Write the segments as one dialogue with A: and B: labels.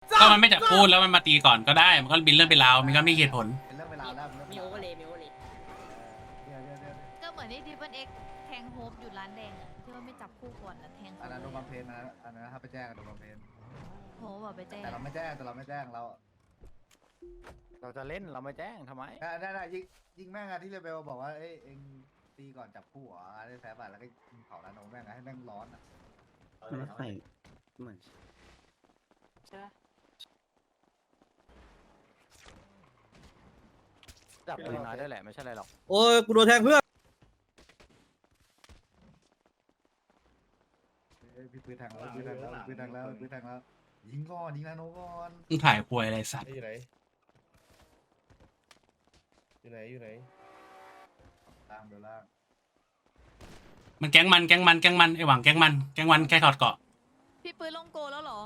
A: ก็มันไม่จับพูดแล้วมันมาตีก่อนก็ได้มันก็บินเรื่องเป็นราวมันก็ไม่เหตุผล
B: เป็นเรื่องเวลาแล้ว
C: มีโอเวอร์เลยมีโอเวอร์เลย
D: ก็เหมือนที่ทิปเปิลเอ็กแทงโฮปอยู่ร้านแดงอะที่ว่าไม่จับคู่ก่อนนะแทง
B: อันนั้นโดนบัมเพนนะอันนั้นถ้าไปแจ้งโดนบัมเพน
D: โฮปแบบไปแจ้ง
B: แต่เราไม่แจ้ง
E: เราจะเล่นเราไม่แจ้งทำไม
B: ได้ยิงแม่งอะที่เรเบลบอกว่าเอ้ยเองตีก่อนจับคู่เหรอได้แพ้ป่ะแล้วก็เผาร้านโนแม่งให้แม่งร้อนอะ
F: ไม่ใส่เหมือน
E: จับปืนน้อยได้แหละไม่ใช่อะไรหรอก
F: โอ้ยกูโดนแทงเพื่อน
B: พี่ปืนแทงแล้วยิงก่อนยิงร้านโนก่อน
A: มึงถ่ายควยอะไรสัตว์
G: อยู่ไหนอยู่ไหน
B: ล่างเบลล่าง
A: มันแก๊งมันไอหวังแก๊งมันแค่ถอดเกาะ
D: พี่ปืนลงโกแล้วเหรอ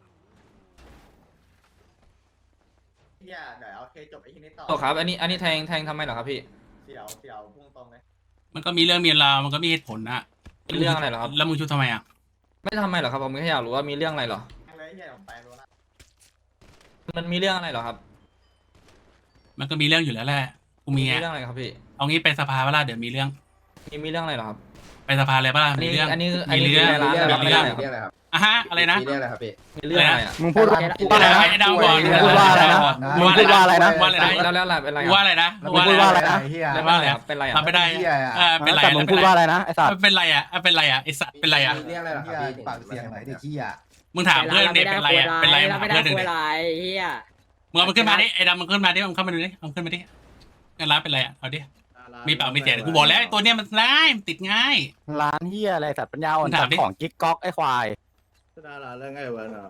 H: เฮียเดี๋ยวเอาเคจบไอ้ที่นี้ต่อ
I: โอ้ครับอันนี้แทงทำไมเหรอครับพี่
H: เสี่ยวพุ่งตรงเลย
A: มันก็มีเรื่องมีราวมันก็มีเหตุผลนะ
I: มีเรื่องอะไรเหรอครับ
A: แล้วมึงชุบทำไมอ่ะ
I: ไม่ทำไมเหรอครับผมแค่อยากรู้ว่ามีเรื่องอะไรเหรอ
H: เลยเฮียผมไปรู้ละ
I: มันมีเรื่องอะไรเหรอครับ
A: มันก็มีเรื่องอยู่แล้วแหละกูมีไง
I: เรื่องอะไรครับพี่
A: เอางี้ไปสภาเวลาเดี๋ยวมีเรื่อง
I: มีเรื่องอะไรเหรอครับ
A: ไปสภาเลยป่ะ
I: อัน
A: มี
I: นี้
A: เรื่อง
I: อันนี้
A: มีเรื่อง
I: คือในร้าน
A: มี
I: อะไร
A: เรื่อง
I: ครับ
A: อ่ะฮะอะไรนะ
G: มีเรื่องอะไรครับพี่
I: มีเรื่องอะไรอ่ะ
F: มึงพูดว่า
A: อะไรนะไอ้ดาวบอก
F: มึงพูดว่าอะไรนะมึงพูดว่าอะไรนะ
A: ว่าอะไรนะ
I: แล้วอะไรเป็นอะไร
A: ว่าอะไรนะ
F: มึงพูดว่าอะไรนะ
B: เฮีย
A: แล้วว่าอะไร
I: ครับเป็นอะไรอ่ะ
A: ทำไม่ได้เป็นไร
F: แต่มึงพูดว่าอะไรนะไอ้สัตว์
A: เป็นไรอ่ะเป็นไรอ่ะไอสัตว์เป็นไรอ่ะ
G: มีเรื่องอะไรเหรอครับพี่
B: ปากเสียงไหนเด็กขี้อ่ะ
A: มึงถามเพื่อนเด็กเป็นไรอ่ะเป็นไร
C: เรา
A: ถาม
C: ไม่ได้
A: เพื่อนหนึ่ง
C: คุย
A: ดิ
C: อะไรเฮีย
A: มึงเอามันขึ้นมาดิไอ้ดำมันขึ้นมาดิมันเข้ามาดูดิเอาขึ้นมาดิงานร้านเป็นไรอ่ะเอาดิมีปากมีเสียงกูบอกแล้วไอ้ตัวเนี้ยมันร้ายมันติดง่าย
E: ร้านเฮียอะไรสัตว์ปัญญาอ่อน
A: มึงถามดิ
E: ของกิ๊กก๊อกไอ้ควาย
G: ดาราเรื่องไงวะน้อง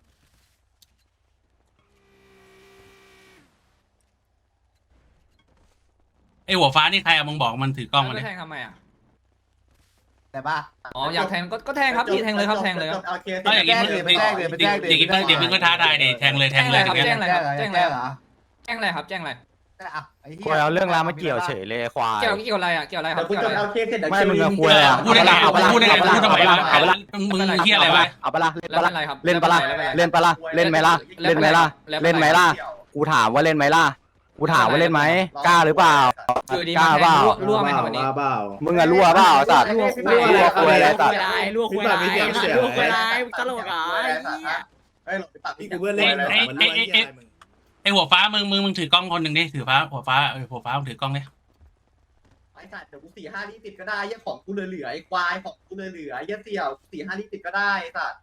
A: ไอ้หัวฟ้านี่ใครอะมึงบอกมันถือกล้องมา
I: แล้
A: ดิ
I: วแทงทำไมอ่ะ
B: แต่ป่ะ
I: อ๋ออยากแทงก็แทงครับพี่แทงเลยครับแทงเลยครับ
H: เอาเค
A: ก็อย่างงี้มึง
B: ไปแจ้งเลย
A: เดี๋ยวมึงก็ท้าทายดิแทงเลย
I: แจ้งเลยครับ
A: แทง
I: แจ้
A: เลย
I: งเลยครับแจ้งเลยครับแจ้งเลยครับแจ้งเลย
B: ไอ้เฮี
E: กูเอาเรื่องราวมาเกี่ยวเฉยเลยควาย
I: เกี่ยวอะไรอ่ะเกี่ยวอะไรค
H: เดี๋
I: รั
H: ยว
I: บ
H: กู
I: เกี่ยว
H: จ
I: อะไร
H: บเอาเคเสร็จเดี๋ยว
E: ไม่มึงเอาคุยอะไรอ่ะ
A: พูดได้ไงพูดได้ไงพูดทำไมวะมึงเฮียอะไรวะ
E: เอาปะล่ะ
I: แล้วเป็นไรครับ
E: เล่นปะล่ะเล่นปะล่ะเล่นไหมล่ะเล่นไหมล่ะเล่นไหมล่ะกูถามว่าเล่นไหมล่ะกูถามว่าเล่นไหมกล้าหรือเปล่า
I: อยู่ดี
E: กล้าเปล่า
I: รั่วไหมครับวันนี้
G: เปล่า
E: มึงอะรั่วเปล่าสัตว์
H: รั่ว
E: คุยอะไรสัตว์
C: ลวกคุยอะไรลวกคุยอะไรตลกอ่ะเฮีย
H: เฮ้ยหลบไปตัด
G: พี่
H: พี่
G: กู
H: กู
G: เพื่อนเล่นมันเรื่องอะไรมึง
A: ไอ้หัวฟ้ามึงถือกล้องคนหนึ่งดิถือฟ้าหัวฟ้าหัวฟ้ามึงถือกล้องดิ
H: ไอ้สัตว์เดี๋ยวกู4-5ลิตรติดก็ได้ยี่ของกูเหลือไอ้ควายของกูเหลือยี่เสี่ยว4-5ลิตรติดก็ได้ไอ้สัตว์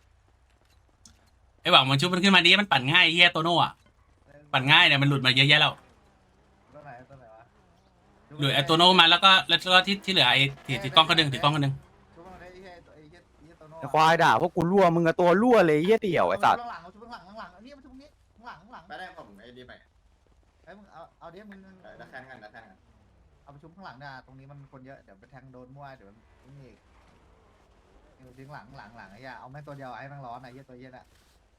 A: ไอ้หวังมันชุบมันขึ้นมาดิมันปั่นง่ายเฮียโตโน่อะปั่นง่ายเนี่ยมันหลุดมาเยอะแยะแล้ว
B: ตัวไหนวะ
A: หลุดไอ้โตโน่มาแล้วก็ที่เหลือไอ้ถือกล้องคนหนึ่งถือกล้องคนหนึ่ง
B: ชุบไอ้เฮียโตโน่
E: ไอ้ควายด่าพวกกูรั่วมึงอะตัวรั่วเลยเหี้ยเตี่ยวไอ้สัตว์
B: ข้างหลังชุบข้างหลังอันนี้มันชุบนี้ข้างหลัง
H: ไปได้ผมไอ้ดีใหม่
B: ไอ้มึงเอาเดี๋ยวมึง
H: ดักแคนกัน
B: เอาไปชุบข้างหลังนะตรงนี้มันคนเยอะเดี๋ยวไปแทงโดนมั่วเดี๋ยวนี่ทิ้งหลังไอ้เหี้ยเอาแม่ตัวเดียวให้แม่งร้อนไอ้เหี้ยตัวเหี้ยน่ะ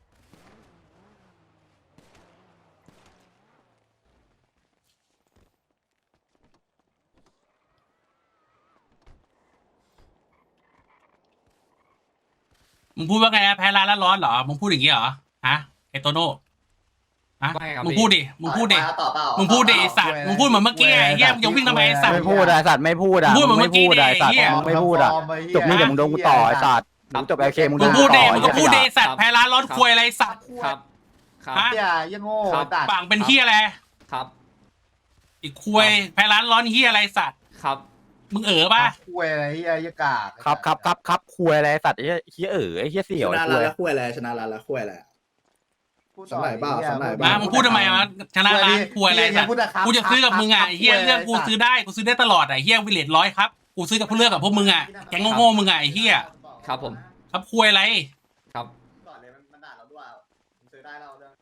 A: มึงพูดว่าไงนะแพ้ร้านแล้วร้อนเหรอมึงพูดอย่างงี้เหรอฮะไอ้โตโน่ฮะ
I: ไม่ครับ
A: มึงพูดดิมึงพูดดิ
H: ต่อเปล่า
A: มึงพูดดิไอ้สัตว์มึงพูดเหมือนเมื่อกี้ไอ้เหี้ยมึงจะวิ่งทำไมไอ้สัตว์
E: ไม่พูดอะไอ้สัตว์ไม่พูดอะ
A: พูดเหมือนเมื่อกี้
E: ไอ้สัตว์
A: ดิไอ้เหี้ย
E: มึงไม่พูดอะจบนี่เดี๋ยวมึงโดนกูต่อไอ้สัตว์มึงจบโอเคมึงโด
A: มึ
E: น
A: ง
E: กู
A: พูด
E: ต่
A: ดิ
E: อ
A: มึงก็พูดดิไอ้สัตว์แพ้ร้านร้อนควยอะไรไอ้สัตว์
I: ครับครับ
A: ฮะ
B: เหี้ยยังโง่
I: ครับ
B: ตัด
A: ปากเป็นเหี้ยอะไร
I: ครับ
A: อีกควยแพ้ร้านร้อนเหี้ยอะไรสัตว์
I: ครับ
A: มึงป่ะ
B: คุยอะไรเหี้ยยกาก
E: ครับคุยอะไรไอ้สัตว์ไอ้เหี้ยไอ้เหี้ยเสี่ยว
G: ช
E: ไอ้
G: นะ
E: คุ
G: ร้าน
E: ย
G: ละคุยอะไรชนะร้านละคุยอะไร สมัยเปล่าสมัยเปล่
A: มามึงพูดทำไมวะชนะร้านควยอะไรสัตว์กูจะซื้อกับมึงอ่ะไอ้เหี้ยเรื่องกูซื้อได้กูซื้อได้ตลอดอ่ะไอ้เหี้ยวิเลตร้อยครับกูซื้อกับพวกเลือกกับพวกมึงอ่ะแก๊งโง่ๆมึงอ่ะไอ้เหี้ย
I: ครับผม
A: ครับควยอะไร
I: ครับ
H: ก่อนเลยมันด่าเราด้วยซื้อได้เราเรื่อง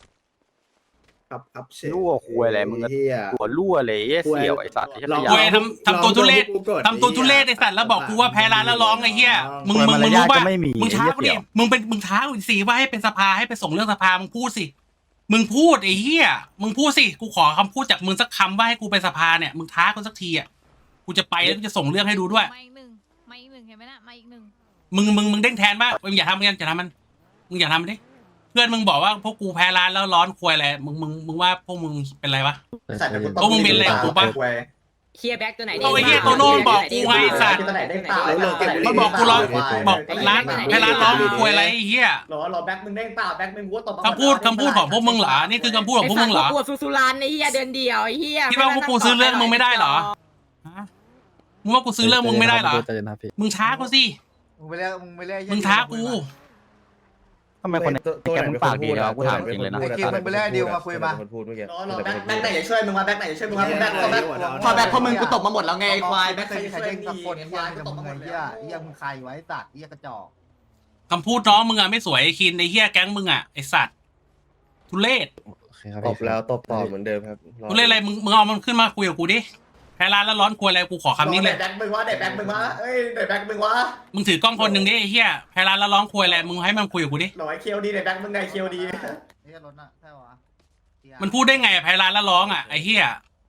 G: ครับเช
E: รั่วคุยอะไรมึง
G: เฮีย
E: หัวรั่วเลยไอ้เสี่ยวไอ้สัตว์ไอ้เหี้ย
A: ควยทำตัวทุเรศทำตัวทุเรศไอ้สัตว์แล้วบอกกูว่าแพ้ร้านแล้วร้องไอ้เหี้ยมึงรู้ป่ะ
E: ไม่มี
A: มึงท้ากูดิมึงท้ากูสิว่าให้เป็นสภาให้ไปส่งเรื่องสภามึงพูดสิมึงพูดไอ้เหี้ยมึงพูดสิกูขอคำพูดจากมึงสักคำว่าให้กูไปสภาเนี่ยมึงท้ากูสักทีอ่ะกูจะไปแล้วกูจะส่งเรื่องให้ดูด้วย
D: มาอีกหนึ่งเห็นไหมนะมาอีกหนึ่ง
A: มึงเด้งแทนป่ะมึงอย่าทำมันมึงอย่าทำมันดิเพื่อนมึงบอกว่าพวกกูแพ้ร้านแล้วร้อนควยอะไรมึงว่าพวกมึงเป็นไรวะ
H: ไอ้สัตว์เดี๋ยวกู
A: พวกมึงเป็นอะไรกับกูปะ
C: เฮียแบ็คตัวไหน
A: เอาไอ้เหี้ยโตโน่บอกกูไงสัตว์
H: ตัวไหนได้เปล่า
A: มันบอกกูร้อนบอกร้านแพ้ร้านร้อนควยอะไรไอ้เหี้ย
H: รอแบ็คมึงได้เปล่าแบ็คมึงกูตบ
A: คำพูดของพวกมึงเหรอนี่คือคำพูดของพวกมึงเหรอ
C: ปวดสุรานไอ้เฮียเดือนเดียวไอ้เฮีย
A: คิดว่าพวกกูซื้อเรื่องมึงไม่ได้เหรอฮะมึงว่ากูซื้อเรื่องมึงไม่ได้เหรอมึงท้ากูสิ
B: มึงไปเรียกไอ้เหี้ย
A: มึงท้ากู
E: ทำไมคนในแกมึงปากดีเลยวะกูถามจริงเลยนะ
B: ไอ้คิวมึงไปเรียกไอ้ดิวมาคุยมา
G: คนพูดเมื่อกี้
H: รอแบ็คไหนจะช่วยมึงวะแบ็คไหนจะช่วยมึงวะแบ็คพอแบ็คพอมึงกูตบมาหมดแล้วไงไอ้ควายแบ็คใครจะ
B: ใคร
H: ช่วย
B: เด้ง
H: ดี
B: สักคน
H: ไอ้
B: ไอ้
H: ควาย
B: เหี้ย
H: กูตบ
B: มึ
H: มางหมด
B: ไอ้
H: แล้ว
B: เหี้ยมึงใครไว้สัตว์เหี้ยกระจอก
A: คำพูดน้องมึงอะไม่สวยไอ้คินไอ้เหี้ยแก๊งมึงอะไอ้สัตว์ทุเรศ
G: ตบแล้วตบต่อเหมือนเดิมครับ
A: ทุเรศอะไรมึงเอามันขึ้นมาคุยกับกูดิแพ้ร้านแล้วร้อนควยอะไรกูขอคำนี้เลย
H: แบ็คมึงวะไหนแบ็คมึงวะเอ้ยไหนแบ็คมึงวะ
A: มึงถือกล้องคนหนึ่งดิไอ้เหี้ยแพ้ร้านแล้วร้องควยอะไรมึงให้มันคุยกับกูดิ
H: หน่อยเคียวดีไหนแบ็คมึงไหนเคียวดี
B: ไอ้เหี้ยรถน่ะใช่ปะวะเหี้ย
A: มันพูดได้ไงอะแพ้ร้านแล้วร้องอะไอ้เหี้ย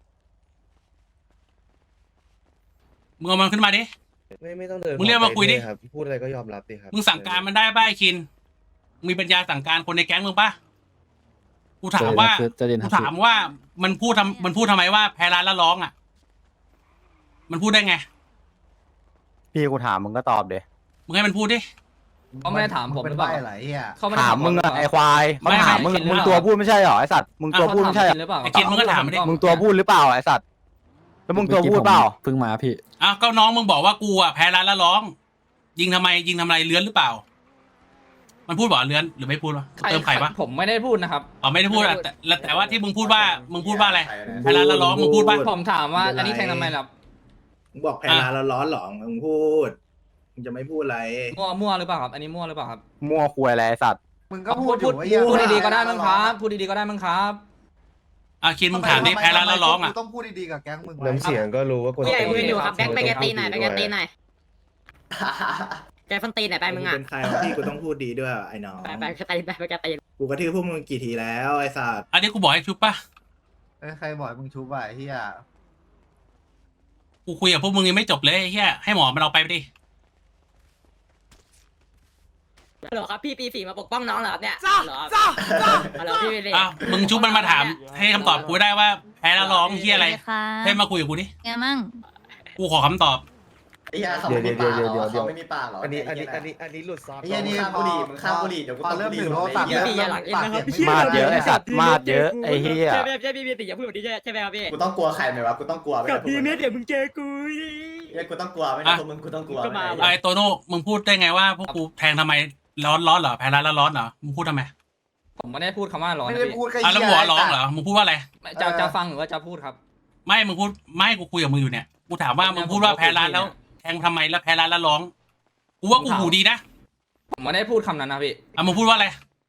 A: มึงเอามันขึ้นมาดิ
G: ไม่ต้องเดิน
A: มึงเรียกมาคุยดิ
G: ครับพูดอะไรก็ยอมรับดิครับ
A: มึงสั่งการมันได้ป่ะไอ้คินมีปัญญาสั่งการคนในแก๊งมึงป่ะกูถามว่ามันพูดทำไมว่าแพ้ร้านแล้วร้องอะมันพูดได้ไง
E: พี่กูถามมึงก็ตอบเด
A: มึงให้มันพูดดิ
I: เขาไม่ได้ถามผมหรือเปล่า
B: เป็นใบ้เหรอไอ้เหี้ย
I: เขาไม่ได้
E: ถามมึงอะไอควายเขาถามมึง
A: ไม่
E: มึงตัวพูดไม่ใช่เหรอไอสัตว์มึงตัวพูดไม่ใช่เหรอ
I: หรือเปล่า
A: ไอ้คินมึงก็ถามมันดิ
E: มึงตัวพูดหรือเปล่าไอสัตว์แล้วมึงตัวพูดเปล่า
F: เพิ่งมาพี่
A: อ้าวก็น้องมึงบอกว่ากูอะแพ้ร้านแล้วร้อง ยิงทำไมเลื้อนหรือเปล่า มันพูดบอกเลื้อนหรือไม่พูดวะเติมไข่ปะ
I: ผมไม่ได้พูดนะครับ
A: อ๋อไม่ได้พูดอะแต่ว่าที่มึงพูดว่าอะไรแพ้ร้านแล้วร้องมึงพูดว่า
I: ผมถามว่าอันนี้แทงทำไมล่ะ
G: มึงบอกแพ้ร้านแล้วร้อนหรอมึงพูดมึงจะไม่พูดอะไร
I: มั่วหรือเปล่าครับ อันนี้มั่วหรือเปล่าครับ
E: มั่วควยอะไรไอสัตว์
B: มึงก็พูดอยู่ไอ้เหี้ย
I: พูดดีๆก็ได้มั้งครับพูดดีๆก็ได้มั้งครับ
A: อ่ะคินมึงถามดิแพ้ร้านแล้วร้องอะ
B: กูต้องพูดดีๆกับแก๊งมึงไว้
G: น้ำเสียงก็รู้ว่าคน
C: พี่ใหญ่มืออยู่ครับแบ็คไปแกตีหน่อยไปแกตีหน่อยแกฟันตีหน่อยไปมึงอ่ะ
G: เป็นใครวะพี่กูต้องพูดดีด้วยไอ้น้อง
C: ไปแกตีไปแกตี
G: กูกระทืบพวกมึงกี่ทีแล้วไอ้สัตว์
A: อันนี้กูบอกให้ชุบป่ะ
B: เอ้ยใครบอกให้มึงชุบอ่ะไอ้เหี้ย
A: กูคุยกับพวกมึงยังไม่จบเลยไอ้เหี้ยให้หมอมันเอาไปดิ
C: ฮัลโหลครับพี่ปี4มาปกป้องน้องเหรอครับเนี่ยฮัลโหลพี่ปี4
A: อ้าวมึงชุบมันมาถามให้คำตอบกูได้ว่าแพ้แล้วร้องเหี้ยอะไร
D: ค่ะ
A: ให้มาคุยกับกูดิ
D: ไงมั่ง
A: กูขอคำตอบ
H: ไอ้ยาเขาไม่มีปากเหรอเขาไม่มีปากเหรอ
G: อันนี้หลุดซอฟ
B: ไอ้เหี้ยนี่
H: ข้ามบุหรี่มึงข้ามบุหรี่เดี๋ยวกู
B: พอ
H: ตบ
B: เริ่ม
H: บุหรี่
B: ถึงโทรศัพท์
H: เหี้ย
B: เริ่มปากเสียงไม่
E: มาดเยอะไอสัตว์มาดเยอะไอเฮีย
C: ใช่พี่ปี4อย่าพูดแบบนี้ใช่ไหมครับพี่
H: กูต้องกลัวใครไหมวะกูต้องกลัว
C: กับพี่เมสเดี๋ยวมึงเจอกู
H: เฮ้ยกูต้องกลัวไม่ได้ตัวมึงกูต้องกลัว
A: ไอ้โตโน่มึงพูดได้ไงว่าพวกกูแทงทำไมร้อนเหรอแพ้ร้านแล้วร้อนเหรอมึงพูดทำไม
I: ผมไม่ได้พูดคำว่าร้อน
B: ไม่
I: นะ
B: ได้
I: พี่
B: พูดแค่
A: อ่ะแล้ว
B: เหี้ย
A: หัวร้องเหรอมึงพูดว่าอะไร
I: จะฟังหรือว่าจะพูดครับ
A: ไม่มึงพูดไม่กูคุยกับมึงอยู่เนี่ยกูถามว่ามึงพูดว่าแพ้ร้านแล้วแทงทำไมแล้วแพ้ร้านแล้วร้องกูว่ากูหูดีนะ
I: ผมไม่ได้พูดคำนั้นนะพี่
A: อ่ะมึงพูดว่าอะไร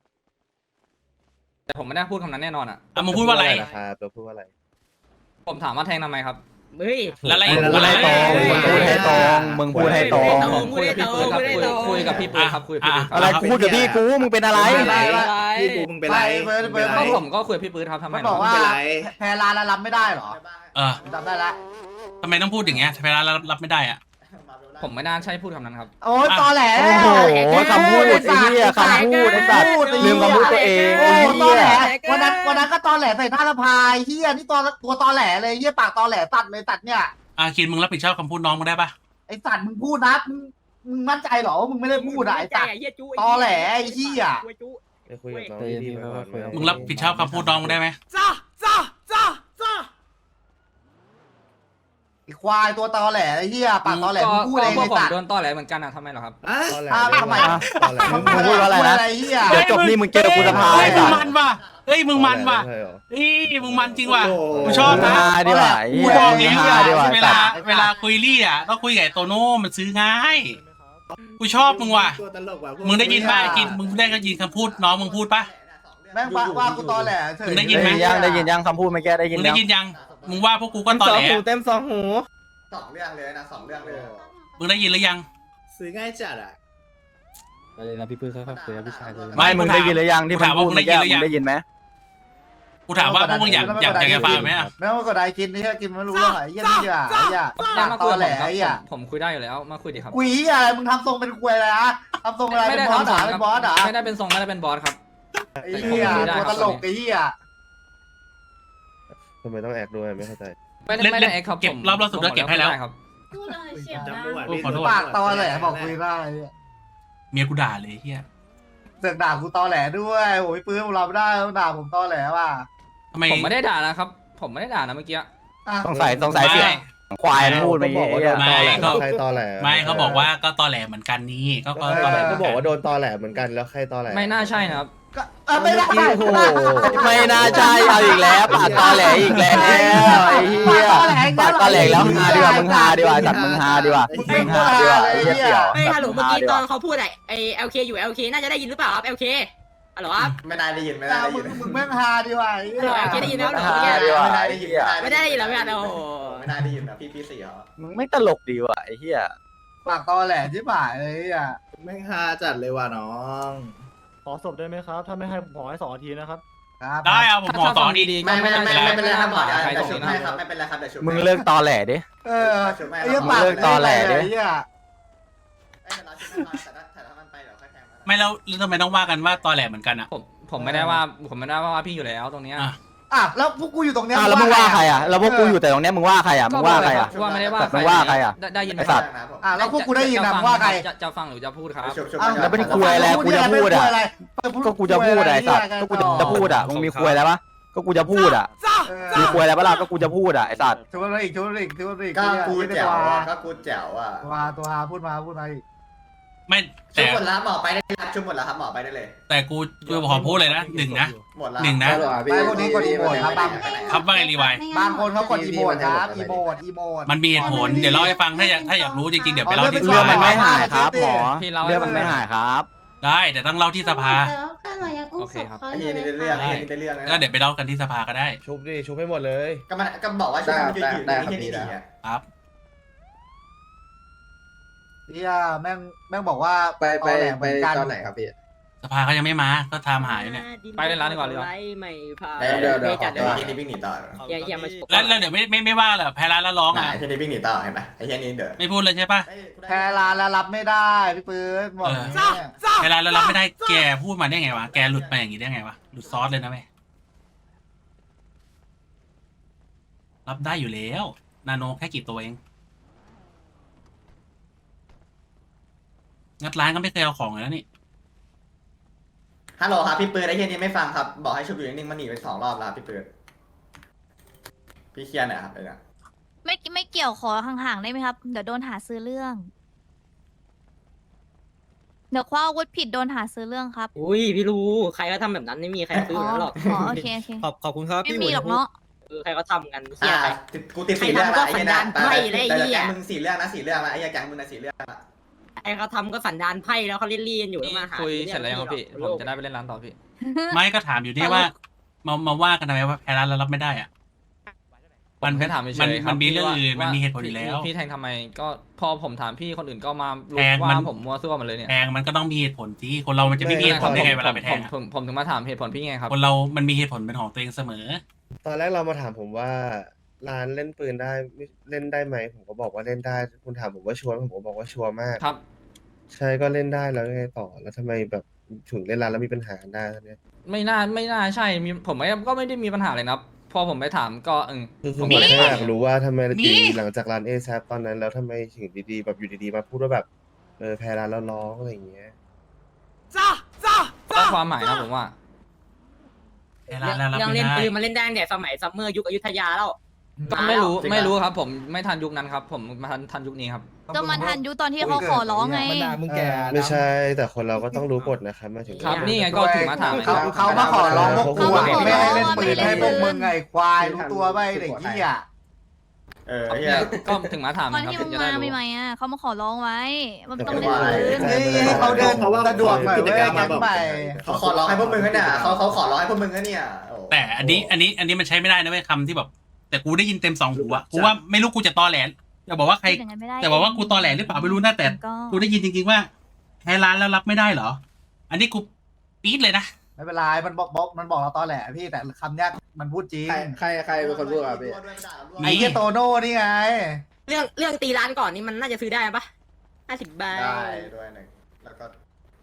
I: แต่ผมไม่ได้พูดคำนั้นแน่นอนอ่ะ
A: อ่ะมึงพูดว่าอะไร
G: ครับเราพูดว่าอะไร
I: ผมถามว่าแทงทำไมครับ
C: เฮ้ย
A: แล้วอะไร
E: มึงพูดให้ตรงมึงพูดให้ตรงมึงพูดให้ตรง
I: ผมคุยกับพี่ปืนครับคุยกับพี่ปืนครับคุยกับพี่ปืนค
E: อะไร
I: รับ
E: กูพูดกับพี่กูมึงเป็นอะไร
G: พี่กูมึงเป็นไร
I: ก็ผมก็คุยกับพี่ปืนครับทำไม
B: มันบอกว่าแพรลานแล้วรับไม่ได้เหรอ
A: เออ
B: จำได้ละ
A: ทำไมต้องพูดอย่างเงี้ยแพ้ร้านแล้วรับไม่ได้อ่ะ
I: ผมไม่น่าใช่พูดคำนั้นครับ
B: โอ้ยตอแหล
E: โอ้โหคำพูดไอ้เหี้ยคำพูดไอ้สัตว์ลืมคำพูดตัวเอง
B: โอ้
E: ไอ้
B: ตอ
E: เหี้
B: แหล
E: ย
B: วันนั้นก็ตอแหลใส่หน้าละพายเฮียนี่ตัวตอแหลเลยเฮียปากตอแหลตัดเลยตัดเนี่ย
A: อ่ะคินมึงรับผิดชอบคำพูดน้องมึงได้ปะ
B: ไอสัตว์มึงพูดนะมึงมั่นใจเหรอว่ามึงไม่ได้พูดอะไอสัตว์ ตอแหลไอ้เหี้ย
G: ไปคุยกับน้องดีๆก่อน
A: มึงรับผิดชอบคำพูดน้องมึงได้ไหม
B: ไอควายตัวตอแหลไอเฮียปากตอแหลมึงพูดเอง
I: พว
B: ไอก
I: ผม
B: สัตว์
I: โดนต่อแหลเหมือนกันอ่ะทำไมเหรอครับ
B: ทำไม
E: มึงพูดว่าอะไรนะ
B: ไอเฮีย
E: เดี๋ยวจบนี่มึงเจอกูสภา
A: เฮ้
E: ไอ้
A: ยมึ
E: สั
A: ง
E: ตว์
A: มันว่ะเฮ้ยมึงมันว่ะเฮ้ยมึงมันจริงว่ะกูชอบ
E: มึง
A: นะ
E: ฮาดีกว่าไอ้
A: กู
E: เหี้ย
A: บอก
E: มึ
A: เอง ง
E: ฮาดีกว่า
A: เวลาคุยรี่อ่ะต้องคุยกับไอ้โตโน่มันซื้อง่ายกูชอบมึงว่ะ
G: ตัวตลกว่ะ
A: มึงได้ยินป่ะไอ้กินมึงได้ก็ยินคำพูดน้องมึงพูดป่ะ
B: แม่งว่ากูตอแหลเฉย
A: มึงได้ยินไหม
E: ได้ยินยังคำพูดเมื่อกี้ได้ยิ
A: มึ
E: น
A: งได้
E: ยัง
A: ยินยังมึงว่าพวกกูก็ตอแหล
F: เต็มสองหู
H: สองเรื่องเลยนะสองเรื่องเลย
A: มึงได้ยินหรือยัง
G: ซื้อง่ายจัดอ่ะ
F: ไปเลยนะพี่ปื้มค่อยๆคุยกับพี่ชายเลย
A: ไม่
E: ไม่มึงได้ยินหรือยังที่มันพูดเมื่อกี้มึงได้ยินไหม
A: กูถามว่าพวกมึงอยากจะฟังไหมอ่ะ
B: แม่งก็ได้กินนี่กินไม่รู้เรื่องไอ้เฮียนี่อ่ะไอ้เฮีย
I: ได้
B: ปาก
I: มา
B: ต
I: คุย
B: อ
I: กับ
B: แหล
I: ผมครับ
B: ไอ้เฮีย
I: ผมคุยได้อยู่แล้วมาคุยดิครับ
B: กุยอะไรมึงทำทรงเป็นควยอะไรฮะทำทรงอะไร
I: ไม่
B: เป็
I: ได้
B: นบอส
I: ทำส
B: ด่า
I: อง
B: เป็
I: ครับ
B: นบอสด่า
I: ไม่ได้เป็นทรงไม่ได้เป็นบอสครับ
B: ไอ้เหี้ยตัวตลกไอ้เหี้ย
F: ทำไมต้องแอกด้วยไม่เข้าใจ
I: ไม่ได้แอคครับ
A: เก็บ
I: ผม
A: รอบล่าสุดแล้วเก็บให้แล้ว
I: ได้ครับ
D: พูดเลยเสียง
G: จำ
D: ดัง
G: ไม่ไหว
A: โอ้ขอโทษ
B: ปากตอแหลบอกคุยได้
A: เมียกูด่าเลยเฮีย
B: เสือกด่ากูตอแหลด้วยโอ้ยปื้มเราไม่ได้ต้องด่าผมตอแหลว่ะ
A: ทำไม
I: ผมไม่ได้ด่านะครับ ผมไม่ได้ด่านะเมื่อกี้
E: ต้องใส่เสียงควายพูดไป
F: บอกว่าโดนตอแหล ใครตอแหล
A: ไม่เขาบอกว่าก็ตอแหลเหมือนกันนี่ก็ตอแหล
F: ก็บอกว่าโดนตอแหลเหมือนกันแล้วใครตอแหล
I: ไม่น่าใช่นะครับ
B: ก็ไม่ได้
F: โอ้โห
E: ไม่น่าใช่เอาอีกแล้วปากตอแหลอีกแล้วไอ้เหี้ยปากตอแหลแล้วฮาดีกว่ามึงฮาดีกว่าจัดมึงฮาดีกว่ามึงฮาดีกว่าไอ้เหี้ยเสี่ยว
C: เฮ้ยฮัลโหลเมื่อกี้ตอนเขาพูดไอ้ LK อยู่ LK น่าจะได้ยินหรือเปล่าครับ LK ฮัลโหลครับ
H: ไม่ได้ยินไม่
B: ด่า
H: ได้
B: มึ
H: ยิ
B: ง
H: น
B: มึงแม่งฮาดีว่ะ
C: ฮัลโหล LK ได้ยินแล้วเหรอ
E: ฮาดีกว่า
H: ไม่ได้
E: ไอ้
H: ยิน
E: เหี้ย
C: ไม่ได้ยินแล้วไม่ได้โอ้โห
H: ไม่ได้ยินนะพี่สี่เหรอ
E: มึงไม่ตลกดีว่ะไอ้เหี้ย
B: ปากตอแหลที่บ่ายเลยอ่ะ
G: แม่งฮาจัดเลยว่ะน้อง
F: ขอศพได้ไหมครับ ถ้าไม่ให้ผมขอให้2 นาทีนะครับ
B: ครับ
A: ได้เอาผมหมอต่อดี
I: ๆ
H: ไม่เป็นไรครับหมอ
I: ใคร
H: เดี๋ยว
I: ตรง
H: ชุบ
I: นี้
H: ให้
I: นะ
H: ครับไม่เป็นไรครับเดี๋ยวชุบ
E: มึงเลิกตอแหลดิ
B: ไอ้เหี้ยปาก
E: เลิกตอแหลดิ
B: ไอ้เหี้ย
H: แต่ถ้ามันไปเดี๋ยวค่อยแทง
A: ไม่แล้วทำไมต้องว่ากันว่าตอแหลเหมือนกันอ่ะ
I: ผมไม่ได้ว่าพี่อยู่แล้วตรงเนี้ย
A: อ่ะ
B: อ่ะแล้วพวกกูอยู่ตรงเนี้ย
E: แล้วมึงว่าใครอ่ะแล้วพวกกูอยู่แต่ตรงเนี้ยมึงว่าใครอ่ะมึงว่าใครอ่ะ
I: ว่าไม่ได้ว่า
E: แต่มึงว่าใครอะ
I: ได้ยินไหม
E: ไอ้สัตว์
B: อ่ะแล้วพวกกูได้ยินนะมึงว่าใคร
I: จะฟังหรือจะพูดครับ
E: แล้วเป็นคุยอะไรกูจะพูดอ่ะก็กูจะพูดอะไอ้สัตว์ก็กูจะพูดอ่ะมึงมีคุยอะไรปะก็กูจะพูดอ่ะมีคุยอะไรปะล่ะก็กูจะพูดอ่ะไอ้สัตว์
B: ชวนอะไรอีก
H: ก็กูแจ๋วอ่ะก็กูแจ๋วอ่ะ
B: ตัวพูดมาอีก
A: ไม่
H: ชุ
A: แต่
H: บหมดแล้วหมอไปได้เลยชุบหมดแล้วครับหมอไปได้เลย
A: แต่กูขอพูดเลยนะหนึ่งนะ
H: หมดแล้ว
A: หนึ่งนะ
B: ไปพวกนี้กดอีโมดครับบาง
A: ครับว่าไงรีไวล์
B: บางคนเขากดอีโมดครับอีโมด
A: มันมีเหตุผลเดี๋ยวเล่าให้ฟังถ้าอยากรู้จริงๆเดี๋ยวไปเล่าที่
E: เรื่อง
A: ส
E: มัน
A: ภา
E: ไม่หายครับหมอ
I: พี่เรา
E: เรื่องมันไม่หายครับ
A: ได้แต่ต้องเล่าที่สภา
I: โอเคครับ
H: ไอ้เหี้ยนี่ได้เรื่องไอ้เหี้ยนี่ได้เรื่อง
A: ก็เดี๋ยวไปเล่ากันที่สภาก็ได้
F: ชุบดิ ชุบให้หมดเลย
H: ก็บอกว่าชุบมันยืนอยู่นี่นี่นี่
A: ครับ
B: เนี่ยแม่งบอกว่าตอนไหนครับพี่
A: สภาเขายังไม่มาก็ทำหายเนี่ย
I: ไปเล่นร้านดีกว่าเลย
C: ไม่พา
H: เดี๋ยวที่นี่วิ่งหนีต่อ
C: อย่ามา
A: แล้วเดี๋ยวไม่ว่าเหรอแพ้ร้านแล้วร้อง
H: ไหน
A: อ่ะ
H: ที่นี่วิ่งหนีต่อเห็นไหมไอ้เหี้ยนี่เดี๋ยว
A: ไม่พูดเลยใช่ปะ
B: แพ้ร้านแล้วรับไม่ได้พี่ปืนบอก
A: แพ้ร้านแล้วรับไม่ได้แกพูดมาได้ไงวะแกหลุดมาอย่างงี้ได้ไงวะหลุดซอสเลยนะแม่รับได้อยู่แล้วนาโนแค่กี่ตัวเองงัดร้านก็ไม่เคยเอาของเลยนะนี่
H: ฮัลโหลครับพี่ปืนไอ้เหี้ยนี่ไม่ฟังครับบอกให้ชุบอยู่นิ่งๆมันหนีไป2 รอบแล้วพี่ปืนพี่เคลียร์หน่อยครับไอ้เนี่ย
D: ไม่เกี่ยวขอห่างๆได้ไหมครับ เดี๋ยวโดนหาซื้อเรื่อง เดี๋ยวคว้าอาวุธผิดโดนหาซื้อเรื่องครับ
C: อุ้ยพี่รู้ใครก็ทำแบบนั้นไม่มีใครซื้อ
D: อ๋อ
C: หรอก
D: อ๋อโอเค
F: ขอบคุณครับ
D: ไม่มีหรอกเนาะ
C: ใครก็ทำกันเฮียใคร
H: กูติด4 เรื่องละไอ้เหี้ยนะ
C: ใครทำก็สันดานไพร่เลยไอ้เหี้ย
H: แต่มึง4 เรื่องนะ4 เรื่องละไอ้เหี้ยแก๊งมึงนะ4 เรื่องละ
C: ใครเขาทำก็สันดานไพ่แล้วเขาเล่นๆอยู่แล้วมาหา
I: คุยเสร็จแล้วยังครับพี่ผมจะได้ไปเล่นร้านต่อพี่
A: ไม่ก็ถามอยู่นี่ว่ามาว่ากันทำไมว่าแพ้ร้านแล้วรับไม่ได้อ่ะ มัน
I: แค่ถามเฉยๆครับ
A: มันมีเรื่องอื่น
I: ว่า
A: มันมีเหตุผลอยู่แล้ว
I: พี่แทงทำไมก็พอผมถามพี่คนอื่นก็มา
A: แทงมัน
I: ว่าผมมัวซั่วหมดเลยเนี่ย
A: แทงมันก็ต้องมีเหตุผลที่คนเรามันจะไม่มีเหตุผลได้ไงเวลาไปแทงอะ
I: ผมถึงมาถามเหตุผลพี่ไงครับ
A: คนเรามันมีเหตุผลเป็นของตัวเองเสมอ
F: ตอนแรกเรามาถามผมว่าร้านเล่นปืนได้เล่นได้ไหมผมก็บอกว่าเล่นได้ คุณถามผมว่าชัวร์ไหมผมก็บอกว่าชัวร์มาก
I: ครับ
F: ใช่ก็เล่นได้แล้วยังไงต่อ แล้วทำไมแบบถึงเล่นร้านแล้วมีปัญหาได้เนี่ย
I: ไม่น่าใช่ผมก็ไม่ได้มีปัญหาเลยนะครับพอผมไปถามก็
F: คือ
I: ผม
F: ผ
I: ก็
F: ม
I: เล่น
F: แค่
I: ผ่า
F: อยาก
I: น
F: รู้ว่าทำไม
A: มี
F: ดีหลังจากร้านเอแซตอนนั้นแล้วทำไมถึงดีๆแบบอยู่ดีๆมาพูดว่าแบบแพ้ร้านแล้วร้องอะไรอย่างเงี้ย
I: ก็ความหมายนะผมว่า
A: แพ้ร้านแล้วรับ
C: ยัง
A: ไม่
C: เล่น
A: ได้
C: ปืนมาเล่นได้ตั้งแต่สมัยซัมเมอร์ยุคอยุธยาแล้ว
I: ก็ไม่รู้ครับ ผมไม่ทันยุคนั้นครับ ผมมาทันยุคนี้ครับ
D: ก็มันทันยุคตอนที่เขาขอร้องไง
F: ไม่ใช่แต่คนเราก็ต้องรู้กฎนะครับหมายถึง
I: ครับนี่ไงก็ถึงมาถามไงครับ
B: เขามาขอร้องพวกกูอะ
D: เขามาขอร้อง
B: ไม่ให้เล่นปืน
D: ไม่ให้
B: ให้พวกมึงไงควายรู้ตัวไปเด็กเหี้ย
H: ไอ้เหี้ย
I: ก็ถึงมาถาม
D: ตอน
I: ครับ
D: ที่
I: ถึ
D: มึ
I: ง
D: ง
I: จะ
D: มา
I: ได้รู้
D: ใหม่ๆอ่ะเขามาขอร้องไว้ มันต้อง
H: แต่
D: เล่น
H: ว่า
D: ปืน
B: นี่เขาเดิน
G: เพราะว่า
B: สะดวกหน่อย
G: กิจ
B: เว้ย
G: กรรม
B: แก๊
G: มาง บอก
B: ใหม่
H: เขาขอร้องให้พวกมึงกันเนี่ยเขาขอร้องให้พวกมึงกันเนี่ย
A: แต่อันนี้มันใช้ไม่ได้นะเว้ยคำที่แบบ แต่กูได้ยินเต็ม2 หูอะกูว่าไม่รู้กูจะตอแหลจะบอกว่าใคร
D: พูดอย่างนั้นไม่ได้
A: แต่บอกว่ากูตอแหลหรือเปล่าไม่รู้นะแต่
D: ก็
A: กูได้ยินจริงๆว่าแพ้ร้านแล้วรับไม่ได้เหรอ อันนี้กูปี๊ดเลยนะ
B: ไม่เป็นไรมันบอกเราตอแหลพี่แต่คำเนี้ยมันพูดจริง
G: ใครเป็นคนพูดครับพี่
B: ไอ้เหี้ยโตโน่นี่ไง
C: เรื่องตีร้านก่อนนี่มันน่าจะซื้อได้ปะ50 ใบ
H: ได้ด้วยหนึ่งแล้วก็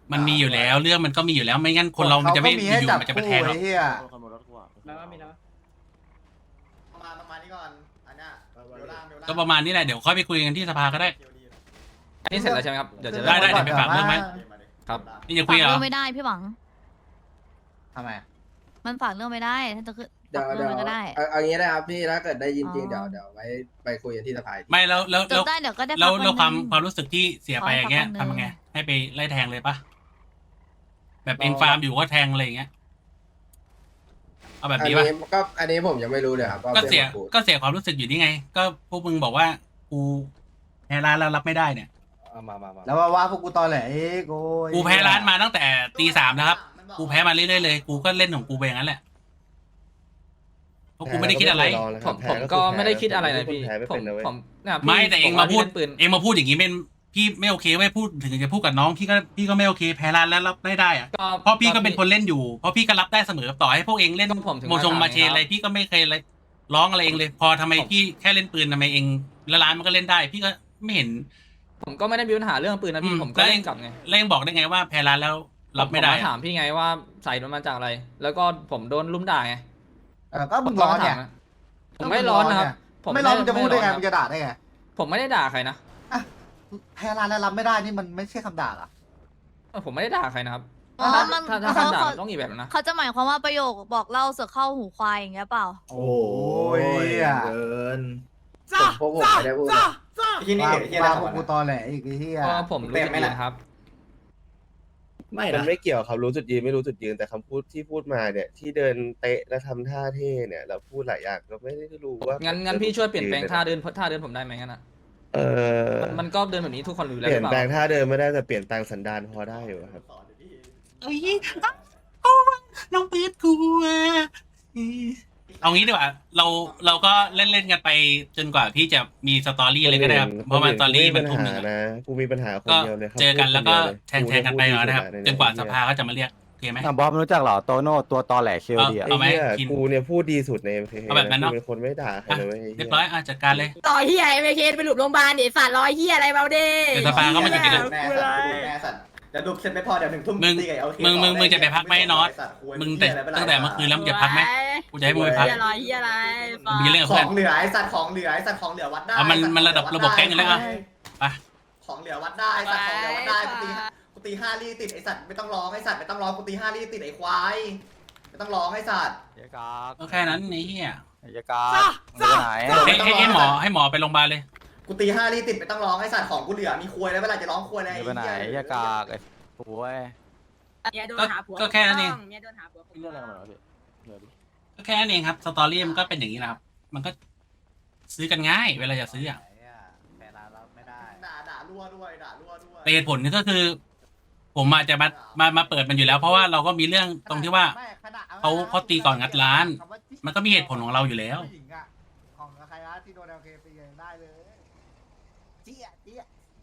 A: มันมีอยู่แล้วเรื่องมันก็มีอยู่แล้วไม่งั้นคนเรามันจะไม่
B: ขก็
A: อ
B: ให้
A: ยู่
B: จับ
A: ๆมันจะไปแทงหรอก
B: คู่ไอ้เหี้ย
C: แล้วก็มีแล้ว
H: ประมาณนี้ก่อนอันเนี้ยเดี๋ยวล่างเดี๋ยวล่าง
A: ก็ประมาณนี้แหละเดี๋ยวค่อยไปคุยกันที่สภาก็ได้
I: อันนี้เสร็จแล้วใช่ไหมครับเดี๋ยวจะ
A: ได้เดี๋ยวไปฝากเรื่องไหม
I: ครับ
A: นี่จะ
D: ฝา
A: คุ
D: ก
A: ยเหร
D: เรื่
A: อ
D: องไม่ได้พี่หวัง
B: ทำไม
D: มันฝากเรื่องไม่ได้ถ้าจะขึ้น
J: เดี๋ยว
D: ฝากเรื่องมันก็ได้
J: เอางี้นะครับพี่ถ้าเกิดได้ยินจริง
D: อ๋อ
J: เดี๋ยวไว้ไปคุยกันที่สภาอีกที
A: ไม่แล้ว
D: จบได้เดี๋ยวก็ได้
A: แล้ว
D: พัก
A: แล้ว
D: วันหนึ่ง
A: ความรู้สึกที่เสียไปอย่างเงี้ย
D: ขอให้พักวันหนึ่ง
A: ทำยังไงให้ไปไล่แทงเลยปะแบบเองฟาร์มอยู่ก็แทงอะไรอย่างเงี้ยเอาแบบนี้ปะ
J: อันนี้ผมยังไม่รู้เลยครับ
A: ก็เสีย
J: พื่อนมาพูด
A: ก็เสียความรู้สึกอยู่นี่ไง ก็พวกมึงบอกว่ากูแพ้ร้านแล้วรับไม่ได้เนี่ย
J: เอามา
B: แล้วว่าพวกกูตอแหลเอ้ยกู
A: กูแพ้ร้านมาตั้งแต่ตี 3นะครับ กูแพ้มาเรื่อยๆเลย กูก็เล่นของกูไปอย่างนั้นแหละเพราะกูไม่ได้คิดอะไร
I: ผมก็ไม่ได้คิดอะไรนะพี่
F: แพ้ไม่
I: ผม
F: เป็นนะเว้ย
I: ผมนะครับ
A: ไม่แต่เองมาพูด
I: ปืน
A: เองมาพูดอย่างนี้เป็นพี่ไม่โอเคไม่พูดถึงจะพูดกับน้องพี่ก็ไม่โอเคแพ้ร้านแล้วรับไม่ได้อะ เพราะพี่ก็เป็นคนเล่นอยู่ เพราะพี่ก็รับได้เสมอต่อให้พวกเองเล่น
I: ผมถึง
A: โมชงมาเชนอะไรพี่ก็ไม่เคยอะไรร้องอะไรเองเลย พอทำไมพี่แค่เล่นปืนทำไมเองแล้วร้านมันก็เล่นได้ พี่ก็ไม่เห็น
I: ผมก็ไม่ได้มีปัญหาเรื่องปืนนะพี่ผมก็เล่นกลับไง
A: แล้วเองบอกได้ไงว่าแพ้ร้านแล้วรับไม่ได้
I: ผา
A: อะ
I: ถามพี่ไงว่าใส่มันมาจากอะไร แล้วก็ผมโดนลุ่มด่าไง
B: ก็มึงร้อนเนี่ย
I: ผมไม่ร้อนนะครับ
B: ไม่ร้อนมึงจะพูดได้ไงมึงจะด่าได้ไง
I: ผมไม่ได้ด่าใครนะ
B: แพ้ร้านแล้วรับไม่ได้นี่มันไม่ใช่คำด่าเหรอ
I: ผมไม่ได้ด่าใครนะครับ
D: อ๋อมัน
I: ถ้าคำด่ามันต้องอีกแบบนะ
D: เขาจะหมายความว่าประโยคบอกเล่าเสือเข้าหูควายอย่างเงี้ยเปล่า
G: โอ้ยเกิน
J: พวกผมไม่ได้พูดนะ
H: ที่นี่
B: ว่า
H: เห็นที่อะไร
B: ว่า
H: ข
B: พ
H: อ
B: ว
H: ง
B: ก
H: มั
B: กู
H: น
B: ตอแหลอีกไอ้เหี้ย
I: ก็ผมรู้สึกดีนะครับ
G: ไม่
F: มัน
G: นะ
F: ไม่เกี่ยวครับรู้จุดยืนไม่รู้จุดยืนแต่คำพูดที่พูดมาเนี่ย ที่เดินเตะและทำท่าเท่เนี่ยเราพูดหลายอย่างเราไม่ได้รู้ว่า
I: งั้
F: งั้
I: นพี่ช่วยเปลี่ยนแปลงท่าเดินผมได้ไหมงั้นอ่ะ มันก็เดินแบบนี้ทุกคนรู้
F: เป
I: แล้วห
F: ลี่ย
I: รื
F: น
I: อเป
F: แปล
I: ล่าง
F: ท่าเดินไม่ได้แต่เปลี่ยนแปลงสันดานพอได้อยู่ครับ
A: เอ้ยน้องปืดกูอะเอางี้ดีกว่าเราก็เล่นกันไปจนกว่าพี่จะมีสตอรี่อะไรก็ได้ครับเพราะว่าสตอรี่มันทุ่มหนึ่งอะ
F: นะกูมีปัญหาคน
A: ก็
F: เดียวเลยครับ
A: เจอกันแล้วก็
F: พูดคนเดีย
A: แทงกันไปก่อนนะครับ
F: กู
A: จนกว่า
F: พูด
A: สภาก็จะมาเรียกโอเคไหม
E: บอสรู้จักเหรอโตโน่ตัวตอแหลเคลดี
A: เอาไหม
F: ไอ้เหี้ย
A: คิน
F: กูเนี่ยพูดดีสุดใน MKK
A: เอาแบบนั้นเนอะ
F: กูเป็นคนไม่ด่าใครเลยเว้ยไอ้
A: เรี
F: เหี้
A: ย
F: ย
A: บร้อยจัดการเลย
C: ต่อเฮียไม่เคสไปหลุดโรงพยาบาลเดี๋ยวสัตว์รอยเฮียอะไรเบาเด้
A: เดี๋ยวสภาก็มาอยู่ที่นั่น
H: แม่สัตว์แม่สัตว์เดี๋ยวดูเสร็จไม่พอเดี๋ยว1 ทุ่ม
A: มึง
H: ตีกับ LK
A: มึงจะไปพักไหมน็อต มึงแต่ตั้งแต่เมื่อคืนแล้วมึงจะพักไหมกูจะให้มึงไปพัก
C: เฮียรอยเฮียอะไร
A: มึงมีเรื่องกับ
H: ข
A: เพื่
H: อ
A: อน
H: งเหลือไอ้สัตว์ของเหลือไอ้สัตว์ของเหลือวัดได้
A: เอามันระดับระบบแก๊งกันแล้วอะ ไป
H: ของเหลือวัดได้สัตว์ของเหลือวัดได้กูตี5 ลี่ติดไอ้สัตว์ไม่ต้องร้องไอ้สัตว์ไม่ต้องร้องกูตี5 ลี่ติดไอ้ควายไม่ต้องร้องไอ้สัตว์
E: ยากาก
A: ก็แค่นั้นไอ้เหี้ย
E: ยากากมึงไปไหน
A: ให้หมอไปโรงพยาบาลเลย
H: กูตี5 ลี่ติดไม่ต้องร้องไอ้สัตว์ของกูเหลือมีควยแล้วเวลาจะร้องควยอะไร
E: มึงไปไหนยากากไอ้โว้ย
C: เมียโดนหาผัว
A: ก็แค่นั้นเอง
C: เมียโดนหาผัว
E: เรื่องอะไรกันเหรอพี่เดี๋ยวดิ
A: ก็แค่นั้นเองครับ สตอรี่มันก็เป็นอย่างนี้นะครับ มันก็ซื้อกันง่าย เวลาจะซื้ออะ
B: แพ้ร้านรับไม่ได้
H: ด่ารั่วด้วยด่ารั่วด้วย
A: แต่เหตุผลนี่ก็คือ ผมอาจจะมาเปิดมันอยู่แล้ว เพราะว่าเราก็มีเรื่องตรงที่ว่า เขาตีก่อนงัดร้าน มันก็มีเหตุผลของเราอยู่แล้ว
B: ผู้หญิงอะของใครนะที่โดน LK ตีได้เลยเจี๊ยเจี๊ย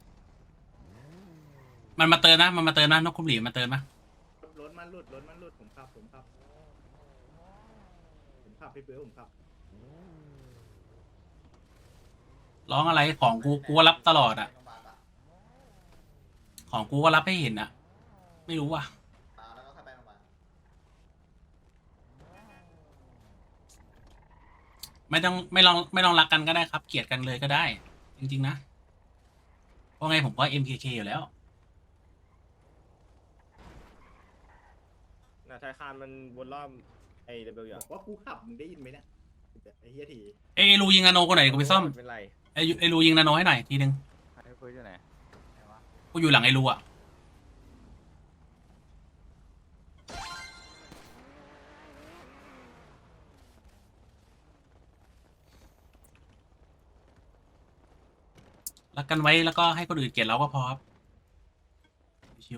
A: มันมาเติมนะนกคุ้มหลีมาเติมนะ
G: รถมันหลุดผมขับพี่เปื้อผมขับ
A: ร้องอะไรของกูก็รับตลอดอ่ะ ของกูก็รับให้เห็นอ่ะ ไม่รู้ว่ะ
H: แล้วก็เข้าไปโรงพยาบาล
A: ไม่ต้องรักกันก็ได้ครับ เกลียดกันเลยก็ได้ จริงๆนะเพราะไงผมก็ MKK อยู่แล้ว
F: ธนาคารมันวนรอบไอ้เดบิว
G: บอกว่ากูขับมึงได้ยินไหมเนี่ยไอ้เฮียที
A: เอยรูยิงนาโนคนไหนกูไปซ่อม
F: เป็นไร
A: ไอรูยิงนาโนให้หน่อยทีนึง
E: ไอ้คุยที่ไหน
A: กูอยู่หลังไอรูอ่ะรักกันไว้แล้วก็ให้คนอื่นเกลียดเราก็พอครับชิว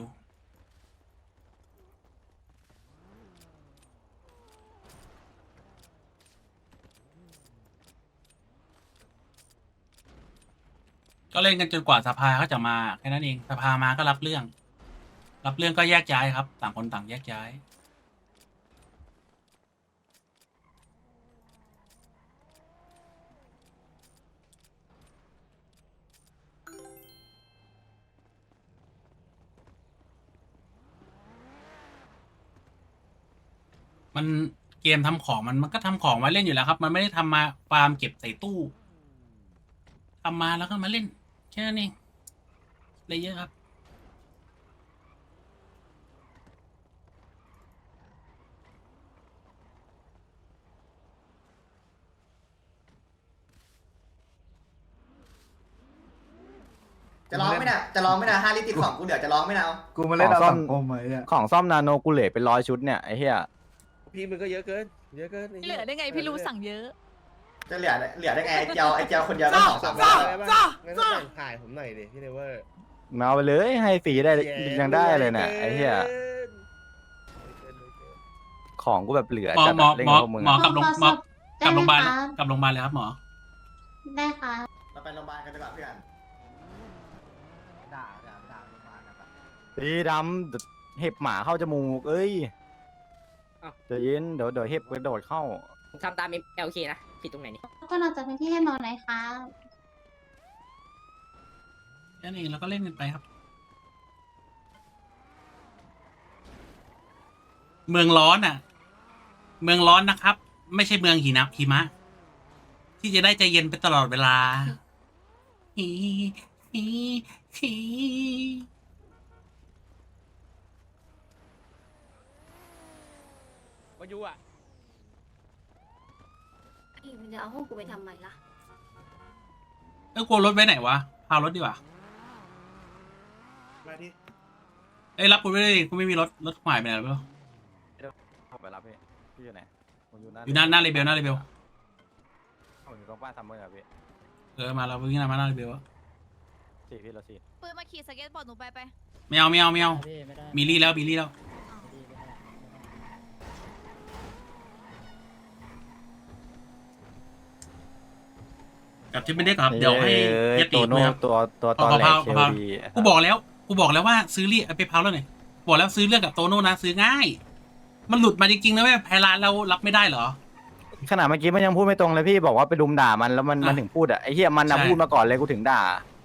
A: ก็เล่นกันจนกว่าสภาเขาจะมาแค่นั้นเองสภามาก็รับเรื่องก็แยกย้ายครับต่างคนต่างแยกย้ายมันเกมทำของมันก็ทำของมาเล่นอยู่แล้วครับ มันไม่ได้ทำมาฟาร์มเก็บใส่ตู้ทำมาแล้วก็มาเล่นแค่นั้นเองอะไรเยอะครับ
H: จะร้องไหมน่ะจะร้องไหมน่ะ5 ลิตรติด2กูเหลือจะร้องไหมน่ะเอา
B: กูมาเล่นเอาสังคมไอ้เนี่ย
E: ของซ่อมนาโนกูเหลือเป็น100 ชุดเนี่ยไอ้เหี้ย
F: พี่มันก็เยอะเกินเยอะเกิน
D: เหลือได้ไงพี่รู้สั่งเยอะ
H: จะเหลือได้ไงไอ้เจียวคนเดียวก็2-3 ร้อย
F: ได้ป่ะงั้นต้องแบ่งขายผมหน่อยดิพี่เนเวอร์
E: เอาไปเลยให้ฟรีได้ยังได้เลยเนี่ยไอ้เหี้ยของกูแบบเหลือ
A: หมอ
E: จัด
A: หมอ
E: เล่น
A: หมอ
E: กับพวกมึง
A: หมอ
E: อะ
A: กลับโรงหมอกลับโรงพยาบาลกลับโรงพยาบาลเลยครับหมอ
D: ได้ค่ะ
H: เราไปโรงพยาบาลกันดีกว่าเพื่อน
B: ด่าลงมากันแบบ
E: ตีดำเห็บหมาเข้าจมูกเอ้ยใจเย็นเดี๋ยวเห็บกระโดดเข้า
C: ผมทำตาม LK นะผิดตรงไหนนี่
D: ก็นอกจากที่ให้หมอไหนคะ
A: แค่นั้นเองแล้วก็เล่นกันไปครับ เมืองร้อนอ่ะ เมืองร้อนนะครับ ไม่ใช่เมืองหิมะที่จะได้ใจเย็นไปตลอดเวลาฮีฮีฮี
C: วายุอ่ะ
D: พี่มันจะเอาห้องกูไปทำไมล่ะ
A: กลัวรถไว้ไหนวะพารถดีกว่า
F: มาที่
A: รับกูไม่ได้กูไม่มีรถหายไปไหนแล้ว
E: เข้าไปรับพี่อยู่ไหนผมอยู่
A: อยู่หน้าเรเบล
E: ผมอยู่ตรงบ้านซัมเมอร์ครับพี่
A: มาเราวิ่งมาหน้าเรเบล
E: พี่เราสี่
D: ปืนมาขี่สเก็ตบอร์ดหนูไป
A: ไม่เอามีลี่แล้วกับที่ไม่ได้ครับเดี๋ยวให้ยติ
E: ตัวโน้
A: ครับ
E: ตัวตอนแรกเคลดี
A: กูบอกแล้วว่าซื้อเรียไปพาวแล้วหน่อยบอกแล้วซื้อเรื่องกับโตโน่นะซื้อง่าย มันหลุดมาจริงๆนะแม่แพร้านเรารับไม่ได้เหรอ
E: ขนาดเมื่อกี้มันยังพูดไม่ตรงเลยพี่บอกว่าไปรุมด่ามันแล้วมันถึงพูดอ่ะไอ้เหี้ยมันนะ
A: ใช่
E: พูดมาก่อนเลยกูถึงด่า